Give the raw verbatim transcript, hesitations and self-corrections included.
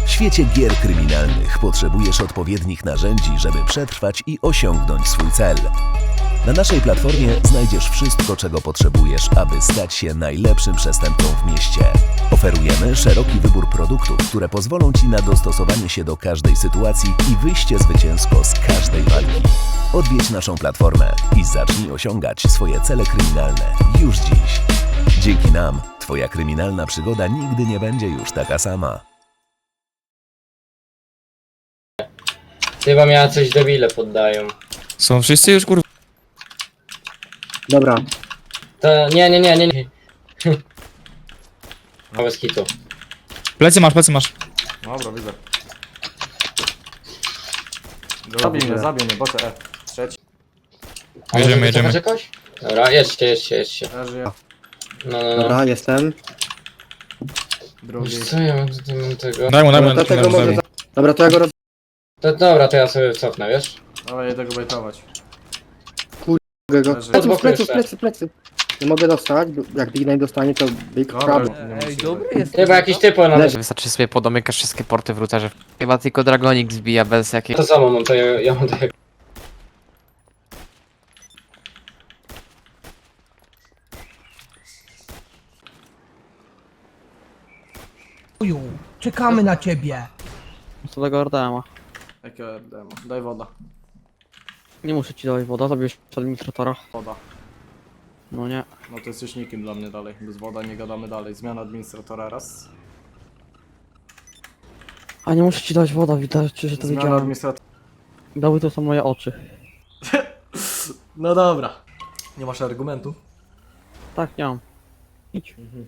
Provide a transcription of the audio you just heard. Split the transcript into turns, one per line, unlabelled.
W świecie gier kryminalnych potrzebujesz odpowiednich narzędzi, żeby przetrwać i osiągnąć swój cel. Na naszej platformie znajdziesz wszystko, czego potrzebujesz, aby stać się najlepszym przestępcą w mieście. Oferujemy szeroki wybór produktów, które pozwolą Ci na dostosowanie się do każdej sytuacji i wyjście zwycięsko z każdej walki. Odwiedź naszą platformę i zacznij osiągać swoje cele kryminalne już dziś. Dzięki nam Twoja kryminalna przygoda nigdy nie będzie już taka sama.
Chyba miała coś debile poddają.
Są wszyscy już kurwa.
Dobra,
To nie, nie, nie, nie, nie. No bez kitu.
Plecy masz, plecy masz.
Dobra, widzę. Zabij mnie, zabij mnie, bocze E. Trzeci.
A
Jedziemy,
może
jedziemy.
wycofać jakoś? Dobra, jedźcie, jedźcie, jedźcie.
E żyje.
No, no, no.
dobra, jestem.
Drugi.
Wiesz co ja mam tutaj mam tego?
Daj mu, daj mu,
Dobra, to
daj
tego
mu, daj
może...
mu.
za- Dobra, to ja go roz...
To, dobra, to ja sobie cofnę, wiesz?
Ale jedę go bejtować.
mogę go...
Leży.
Pleców,
Od boku
pleców,
jeszcze.
plecy, plecy. Nie mogę dostać, bo jak Big Nine dostanie, to Big
Dobra,
Trouble.
nie
Ej,
musi
dobry
być.
jest.
Chyba jakiś typo na
Leży.
Wystarczy sobie podomykać wszystkie porty w routerze. Chyba tylko Dragonik zbija bez jakiej...
To samo mam, to ja, ja mam tak.
Chuju, czekamy na ciebie.
Co tego Ordema.
Jakie demo? Daj woda.
Nie muszę ci dawać woda, zabierz administratora.
Woda.
No nie.
No to jesteś nikim dla mnie dalej. Bez woda nie gadamy dalej. Zmiana administratora raz.
A nie muszę ci dawać woda, widać, że to
Zmiana
widziałem.
administratora.
Dały to są moje oczy.
No dobra. Nie masz argumentu?
Tak, nie mam. Idź.